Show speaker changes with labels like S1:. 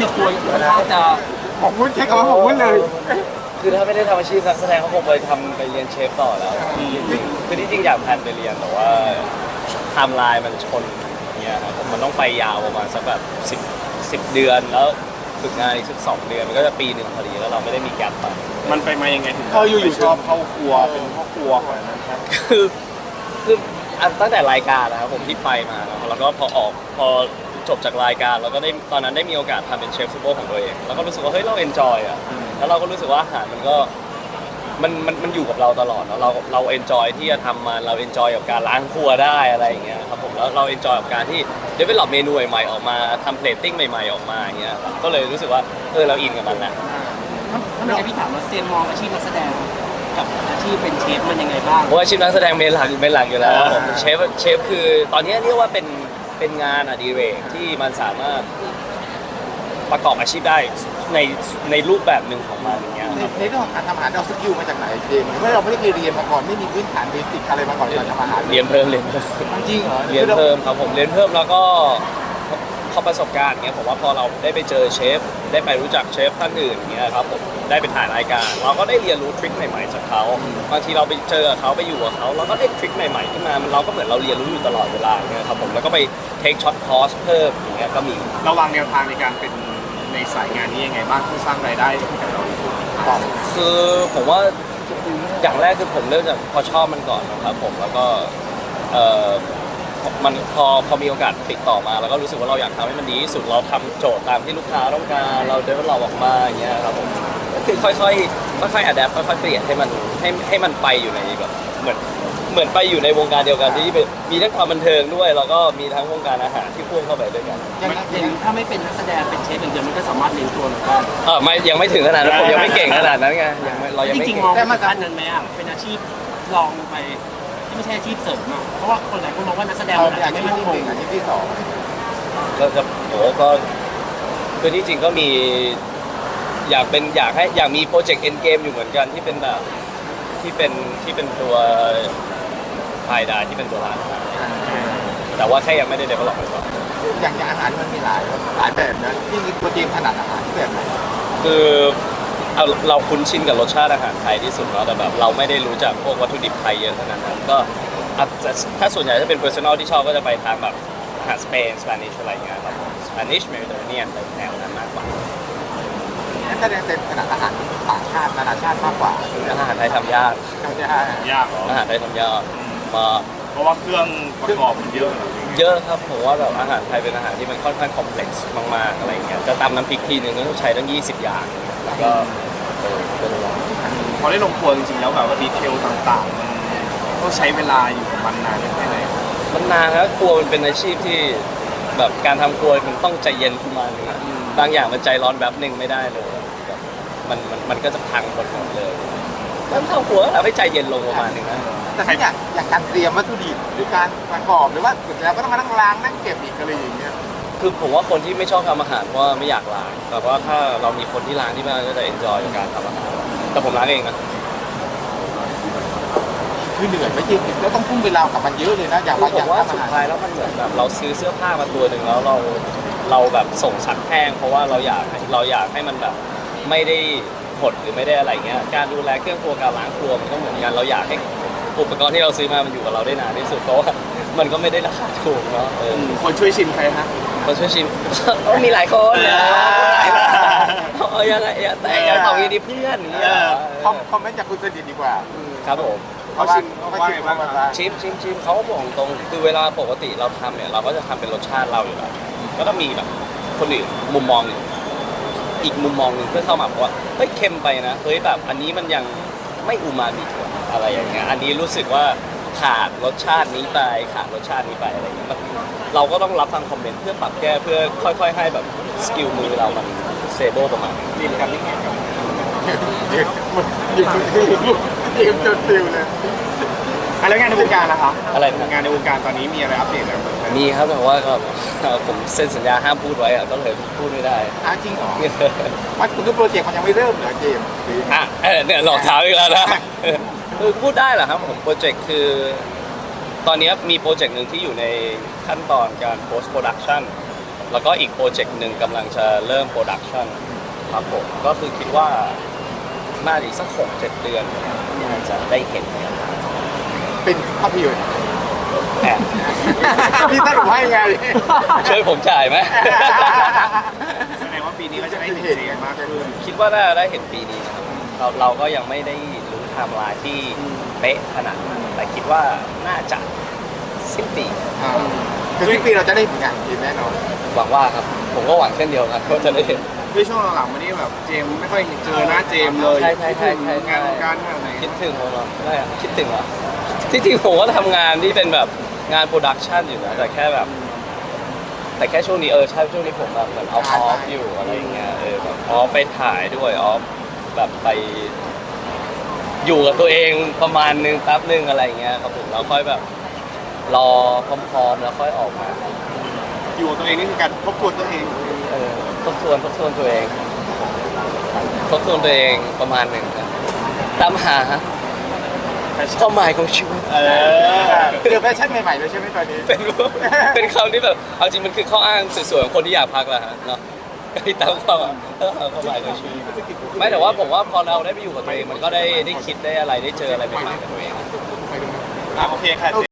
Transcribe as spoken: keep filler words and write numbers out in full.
S1: กับตัวค่อนข้างจะ
S2: ผมพูดใช้คำว่าผมพูดเลย
S3: คือถ้าไม่ได้ทำอาชีพนักแสดงเขาคงไปทำไปเรียนเชฟต่อแล้วคือที่จริงอยากแพลนไปเรียนแต่ว่าไทม์ไลน์มันชนเนี่ยครับผมมันต้องไปยาวประมาณสักแบบสิบสิบเดือนแล้วฝึกงานอีกสักสองเดือนมันก็จะปีหนึ่งพอดีแล้วเราไม่ได้มีแกลบไป
S4: มันไปมายังไงถึง
S2: เอออยู่ๆ
S4: ชอบเข้าครัวเป็นพ่อครัวขนาดนั้นครับ
S3: คือคือตั้งแต่รายการนะครับผมที่ไปมาแล้วก็พอออกพอจบจากรายการเราก็ได้ตอนนั้นได้มีโอกาสทำเป็นเชฟซูเปอร์ของตัวเองแล้วก็รู้สึกว่าเฮ้ยเราเอนจอยอ่ะแล้วเราก็รู้สึกว่าอาหารมันก็มันมันมันอยู่กับเราตลอดแล้วเราเราเอนจอยที่จะทำมันเราเอนจอยกับการล้างครัวได้อะไรอย่างเงี้ยครับผมแล้วเราเอนจอยกับการที่เดเวลลอปเมนูใหม่ๆออกมาทำเพลตติ้งใหม่ๆออกมาอย่างเงี้ยก็เลยรู้สึกว่าเออเราอินกับมันแหละ
S1: ถ้าไม่ใช่พี่ถามว่าเซนมองอาชีพนักแสดงกับอาชีพเป็นเชฟมันยังไงบ้าง
S3: เพราะอาชีพนักแสดงเป็นหลักเป็นหลักอยู่แล้วผมเชฟเชฟคือตอนนี้เรียกว่าเป็นเป็นงานอดิเรกที่มันสามารถประกอบอาชีพได้ในในรูปแบบหนึ่งของมันอย่างเงี้ย
S2: ในในเรื่องของการทำอาหารเราสกิลมาจากไหนเองเมื่อเราไม่ได้ไปเรียนมาก่อนไม่มีพื้นฐานเบสิกอะไรมาก่อนการทำอาหาร
S3: เรียนเพิ่มเรียนเพิ่ม
S2: จริงเหรอ
S3: เรียนเพิ่มครับผมเรียนเพิ่มแล้วก็พอประสบการณ์เงี้ยผมว่าพอเราได้ไปเจอเชฟได้ไปรู้จักเชฟท่านอื่นเงี้ยครับผมได้ไปถ่ายรายการเราก็ได้เรียนรู้ทริคใหม่ๆจากเขาบางทีเราไปเจอเขาไปอยู่กับเขาเราก็ได้ทริคใหม่ๆขึ้นมาเราก็เหมือนเราเรียนรู้อยู่ตลอดเวลาเงี้ยครับผมแล้วก็ไปเทคช็อตคอร์สเพิ่มอย่างเงี้ยก็มี
S4: ระวังแนวทางในการเป็นในสายงานนี้ยังไงบ้างเพื่อสร้างรายได้ให้กับเรา
S3: คือผมว่าอย่างแรกคือผมเริ่มจากพอชอบมันก่อนนะครับผมแล้วก็เอ่อมันพอพอมีโอกาสติดต่อมาแล้วก็รู้สึกว่าเราอยากทำให้มันดีที่สุดเราทำโจทย์ตามที่ลูกค้าต้องการเราเดินเราออกมาอย่างเงี้ยครับผมก็คือค่อยๆค่อยๆอัดแอปค่อยๆเปลี่ยนให้มันให้ให้มันไปอยู่ในแบบเหมือนเหมือนไปอยู่ในวงการเดียวกันที่มีทั้งความบันเทิงด้วยแล้วก็มีทั้งวงการอาหารที่พ่วงเข้าไปด้วยกัน
S1: อย่างถ้าไม่เป็นนักแสดงเป็นเชฟอย่างเดียวมันก็สามารถเลี้ยงตัวได้
S3: เออไม่ยังไม่ถึงขนาดนั้นผมยังไม่เก่งขนาดนั้นไงยังไม่เรายังไม่
S1: จริงๆมองแต่มาด้านนั้นไหมอ่ะเป็นอาชีพลองไปที่ไม่ใช่อาชีพเสริมอ่ะเพราะว่าคนหลายคนมองว่านักแสดงมันอาจจะไม่มั่นคง
S2: อาชีพที่สอง
S3: ก็จะโอ้ก็คือที่จริงก็มีอยากเป็นอยากให้อยากมีโปรเจกต์เอ็นเกมอยู่เหมือนกันที่เป็นแบบที่เป็นที่เป็นตัวไฟดาที่เป็นตัวร้านแต่ว่าแค่ยังไม่ได้เดเวลลอปเลยว่า
S2: อย่างอย่างอาหารมันมีหลายหลายแบบนะที่มีตัวเกมถนัดอาหารที่แบบไหน
S3: คือเราเราคุ้นชินกับรสชาติอาหารไทยที่สุดเนาะแต่แบบเราไม่ได้รู้จักพวกวัตถุดิบไทยเยอะขนาดนั้นก็ถ้าส่วนใหญ่ถ้าเป็น personal ที่ชอบก็จะไปทางแบบอาหารสเปนสเปนิชอะไรอย่างเงี้ยครับสเปนิชเมดิเตอร์เรเนียนแนวนั้นมากกว่า
S2: แสดงเป็นขนาดอาหารต่างชาตินานาชาติมากกว่า
S3: อาหารไทยทำยาก
S2: ทำยาก
S4: ยาก
S3: อาหารไทยทำยากมา
S4: เพราะว่าเครื่องประกอบมันเยอะ
S3: เยอะครับผมว่าแบบอาหารไทยเป็นอาหารที่มันค่อนข้างคอมเพล็กซ์มากๆอะไรเงี้ยจะตำน้ำพริกทีนึงก็ต้องใช้ตั้งยี่สิบอย่างแล้วก็
S4: พอได้ลงครัวจริงๆแล้วแบบว่าดีเทลต่างๆมันต้องใช้เวลาอยู่กับมันนานแค่ไหน
S3: มันนานครับครัวมันเป็นอาชีพที่แบบการทำครัวมันต้องใจเย็นขึ้นมาเลยบางอย่างมันใจร้อนแบบหนึ่งไม่ได้เลยมันมันมันก็จะพังหมดหมดเลยแล้วทำครัวเราให้ใจเย็นลงประมาณนึงนะ
S2: แต่ถ้าอยากอยากการเตรียมวัตถุดิบหรือการประกอบหรือว่าสุดแล้วก็ต้องมานั่งล้างนั่งเก็บอีกอะไรอย่างเงี้ย
S3: คือผมว่าคนที่ไม่ชอบทำอาหารเพราะไม่อยากล้างแต่ว่าถ้าเรามีคนที่ล้างที่บ้านก็จะเอนจอยกับการทำอาหารแต่ผมล้างเองนะ
S2: คือเหนื่อยไม่จริงแล้วต้องพุ่งเวลากับมันเยอะเลยนะอย่าง
S3: ว่าอย่างว่าสุดท้ายแล้วมันเหมือนแบบเราซื้อเสื้อผ้ามาตัวหนึ่งแล้วเราเราแบบส่งซักแห้งเพราะว่าเราอยากเราอยากให้มันแบบไม่ได้หดหรือไม่ได้อะไรเงี้ยการดูแลเครื่องครัวการล้างครัวมันก็เหมือนกันเราอยากให้อุปกรณ์ที่เราซื้อมามันอยู่กับเราได้นานที่สุดเพราะว่ามันก็ไม่ได้ราคาถูกเนาะ
S4: คนช่วยชิมใครฮะ
S3: คนช่วยชิมก็มีหลายคนนะเออยังไงแต่ยังตอบอย่างนี้เพื่อนนี่
S2: คอมเมนต์จากคุณสนิทดีกว่า
S3: ครับผม
S4: เขาชิมเขาชิม
S3: ชิมชิมชิมเขาก็บอกตรงคือเวลาปกติเราทำเนี่ยเราก็จะทำเป็นรสชาติเราอยู่แล้วก็ต้องมีแบบคนอื่นมุมมองอีกมุมมองหนึ่งเพื่อเข้ามาบอกว่าเฮ้ยเค็มไปนะเฮ้ยแบบอันนี้มันยังไม่อูมามิอะไรอย่างเงี้ยอันนี้รู้สึกว่าขาดรสชาตินี้ไปขาดรสชาตินี้ไปอะไรอย่างเงี้ยเราก็ต้องรับฟังคอมเมนต์เพื่อปรับแก้เพื่อค่อยๆให้แบบสกิลมือเรามันเซเบิลประมาณ
S4: นี่ครับนี่ครับ
S2: เด็กมันยิงติวยิงจนติวเลย
S4: อะไรงานในวงการนะคะ
S3: อะไร
S4: งานในวงการตอนนี้มีอะไรอัปเดตไหม
S3: มีครับแต่ว่าก็ผมเซ็นสัญญาห้ามพูดไว้อะก็เลยพูดไม่ได้
S2: อ้าจริงเหรอมันคือโปรเจกต์มันยังไม่เริ่มเหรอเจม
S3: อ่ะเนี่ยหลอกถามอีกแล้วนะคือพูดได้เหรอครับผมโปรเจกต์คือตอนนี้มีโปรเจกต์หนึ่งที่อยู่ในขั้นตอนการ post production แล้วก็อีกโปรเจกต์หนึ่งกำลังจะเริ่มโปรดักชันครับผมก็คือคิดว่าน่าจะอีกสักหกเจ็ดเดือนน่าจะได้เห็นกัน
S2: เป็นภาพยนตร์
S3: แอบ
S2: พี่สรุปให้ไง
S3: ช่วยผมจ่ายไหม
S4: แสดงว่าปีนี้ก็จะได้เห็นเจมส์มากขึ้น
S3: คิดว่าน่าจะได้เห็นปีนี้นะครับเราเราก็ยังไม่ได้รู้ไทม์ไลน์ที่เป๊ะขนาดนั้นแต่คิดว่าน่าจะสิ้นปี
S2: อ่าคือสิ้นปีเราจะได้เห็นงานจริงแน่นอน
S3: หวังว่าครับผมก็หวังเช่นเดียวกันว่าจะได้เห็น
S4: ด้วยช่วงหลังๆมานี่แบบเจมส์ไม่ค่อยเจอหน้าเจมส์เลย
S3: ใช่ใช่ใช่ใช่ใช่
S4: งานการขนาดไหน
S3: คิดถึงผมเหรอได้อะคิดถึงเหรอที่จริงผมก็ทำงานที่เป็นแบบงานโปรดักชันอยู่นะแต่แค่แบบ แต่แค่ช่วงนี้เออใช่ช่วงนี้ผมแบบเหมือนเอาออฟอยู่อะไรอย่างเงี้ยเออแบบออฟไปถ่ายด้วยออฟแบบไป อยู่กับตัวเองประมาณนึงแป๊บนึงอะไรอย่างเงี้ยครับผมแล้วค่อยแบบรอพร้อมๆแล้วค่อยออกมา
S4: อยู่กับตัวเองนี่คือการทบทวนตัวเอง
S3: เออทบทวนทบทวนตัวเองทบทวนตัวเองประมาณหนึ่งครับตามหาความหมายของชีวิต
S4: เออ
S2: เจอแฟชั่นใหม่ๆเลยใช่ไหมตอนนี้
S3: เป็นเป็นคำที่แบบเอาจริงมันคือข้ออ้างสวยๆของคนที่อยากพักแหละฮะเนาะก็ที่ตามความเออความหมายของชีวิตไม่แต่ว่าผมว่าพอเราได้ไปอยู่กับตัวเองมันก็ได้ได้คิดได้อะไรได้เจออะไรใหม่ๆกับตัวเอง
S4: อ่ะโอเคค่ะเจ